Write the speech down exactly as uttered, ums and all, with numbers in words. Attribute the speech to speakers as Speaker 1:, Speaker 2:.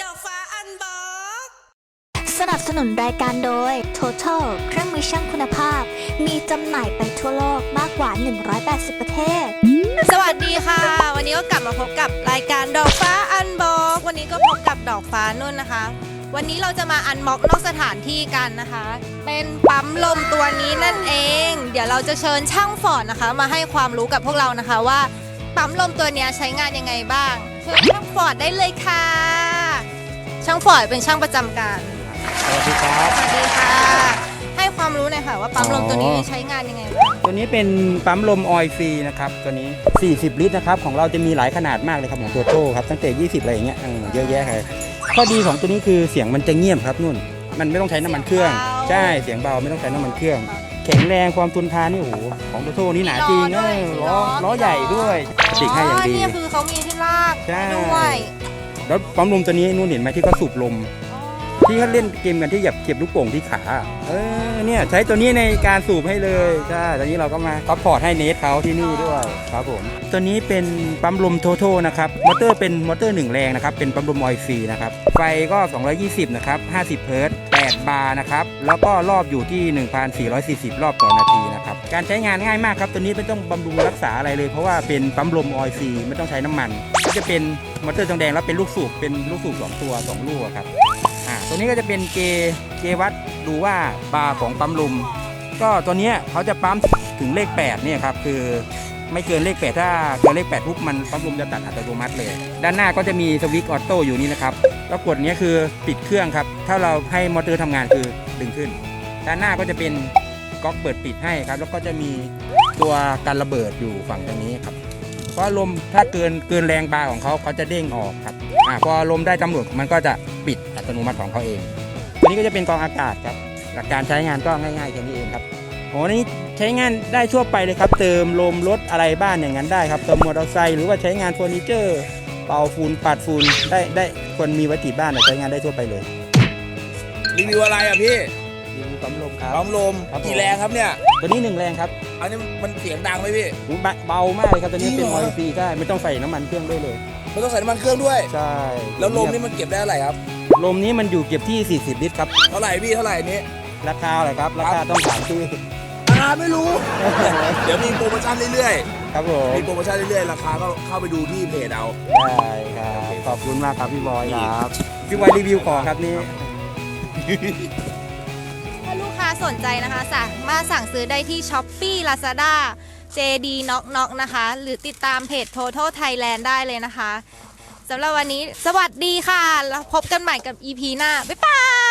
Speaker 1: อกฟ้าอันบอก
Speaker 2: สนับสนุนรายการโดย Total เครื่องมือช่างคุณภาพมีจำหน่ายไปทั่วโลกมากกว่าหนึ่งร้อยแปดสิบประเทศ
Speaker 1: สวัสดีค่ะ วันนี้ก็กลับมาพบกับรายการดอกฟ้าอันบอกวันนี้ก็พบกับดอกฟ้านุ่นนะคะ วันนี้เราจะมาอันม็อกนอกสถานที่กันนะคะ เป็นปั๊มลมตัวนี้นั่นเอง เดี๋ยวเราจะเชิญช่างฟอร์ดนะคะ มาให้ความรู้กับพวกเรานะคะว่าปั๊มลมตัวนี้ใช้งานยังไงบ้างเชิญช่างฟอร์ดได้เลยค่ะ ช่างฟอร์ดเป็นช่างประจำการ
Speaker 3: สวัสดีครับ
Speaker 1: สวัสดีค่ะให้ความรู้หน่อยค่ะว่าปั๊มลมตัวนี้ใช้งานยังไงบ้าง
Speaker 3: ตัวนี้เป็นปั๊มลมออยล์ฟรีนะครับตัวนี้สี่สิบลิตรนะครับของเราจะมีหลายขนาดมากเลยครับของตัวโต้ครับตั้งแต่ยี่สิบอะไรอย่างเงี้ยเยอะแยะเลยข้อดีของตัวนี้คือเสียงมันจะเงียบครับนุ่นมันไม่ต้องใช้น้ำมันเครื่องใช่เสียงเบาไม่ต้องใช้น้ำมันเครื่องแข็งแรงความทนทานนี่โอ้โหของตัวโต้นี่หนาจริงเออล้อล้อใหญ่ด้วยติดให้อย่างดี
Speaker 1: นี่คือเขามีที่ลากด้วย
Speaker 3: แล้วปั๊มลมตัวนี้นุ่นเห็นไหมที่เขาสูบลมที่เขาเล่นเกมกันที่หยับเก็บลูกโป่งที่ขาเออเนี่ยใช้ตัวนี้ในการสูบให้เลยใช่ตอนนี้เราก็มาซัพพอร์ตให้เนทเขาที่นี่ด้วยครับผมตัวนี้เป็นปั๊มลมโทโทนะครับมอเตอร์เป็นมอเตอร์หนึ่งแรงนะครับเป็นปั๊มลมออยล์ฟรีนะครับไฟก็สองร้อยยี่สิบนะครับห้าสิบเฮิร์ตซ์แปดบาร์นะครับแล้วก็รอบอยู่ที่ หนึ่งพันสี่ร้อยสี่สิบ รอบต่อนาทีนะครับการใช้งานง่ายมากครับตัวนี้ไม่ต้องบำรุงรักษาอะไรเลยเพราะว่าเป็นปั๊มลมออยล์ฟรีไม่ต้องใช้น้ำมันก็จะเป็นมอเตอร์ทองแดงแล้วเป็นลูกสูบเป็นลูกสูบสองตัวสองลูกครับตัวนี้ก็จะเป็นเกเกวัดดูว่าบาร์ของปั๊มลมก็ตัวนี้เขาจะปั๊มถึงเลขแปดเนี่ยครับคือไม่เกินเลขแปดถ้าเกินเลขแปดปุ๊บมันปั๊มลมจะตัดอัตโนมัติเลยด้านหน้าก็จะมีสวิตช์ออโต้อยู่นี่นะครับแล้วกดนี้คือปิดเครื่องครับถ้าเราให้มอเตอร์ทำงานคือดึงขึ้นด้านหน้าก็จะเป็นก๊อกเปิดปิดให้ครับแล้วก็จะมีตัวกันระเบิดอยู่ฝั่งตรงนี้ครับเพราะลมถ้าเกินเกินแรงบาร์ของเขาเขาจะเด้งออกครับอ่าพอลมได้กำหนดมันก็จะปิดอัตโนมัติของเขาเองตัวนี้ก็จะเป็นกรองอากาศครับหลักการใช้งานก็ง่ายๆแค่นี้เองครับโอ้นี่ใช้งานได้ทั่วไปเลยครับเติมลมรถอะไรบ้านอย่างนั้นได้ครับเติมมอเตอร์ไซค์หรือว่าใช้งานเฟอร์นิเจอร์เป่าฝุ่นปัดฝุ่นได้ได้คนมีไว้ติดบ้านใช้งานได้ทั่วไปเลย
Speaker 4: รีวิวอะไรอ่ะพี่
Speaker 3: รีวิวปั๊มลมครับ
Speaker 4: ปั๊มลมกี่แรงครับเนี่ย
Speaker 3: ตัวนี้หนึ่งแรงครับ
Speaker 4: อันนี้มันเสียงดังไหมพี่
Speaker 3: เบามากเลยครับตัวนี้เป็นออยล์ฟรีใช่ไม่ต้องใส่น้ำมันเครื่องด้วยเลย
Speaker 4: ไม่ต้องใส่น้ำมันเครื่องด้วย
Speaker 3: ใช่
Speaker 4: แล้วลมนี่มันเก็บได้เท่าไหร่ครับ
Speaker 3: ลมนี้มันอยู่เก็บที่สี่สิบลิตรครับ
Speaker 4: เท่าไหร่พี่เท่าไหร่นี้
Speaker 3: ราคาอะไรครับราคาต้องถามที่
Speaker 4: อ่าไม่รู้ เดี๋ยวมีโปรโมชั่นเรื่อย
Speaker 3: ๆครับผม
Speaker 4: มีโปรโมชั่นเรื่อยๆราคาก็เข้าไปดูที่เพจเอา
Speaker 3: ได้ครับขอบคุณมากครับพี่บอยครับพี่บอยรีวิวของครับนี่
Speaker 1: ถ้าลูกค้าสนใจนะคะสามารถสั่งซื้อได้ที่ ช้อปปี้ ลาซาด้า เจ ดี Knock Knock นะคะหรือติดตามเพจ Total Thailand ได้เลยนะคะสำหรับวันนี้สวัสดีค่ะแล้วพบกันใหม่กับ อี พี หน้าบ๊ายบาย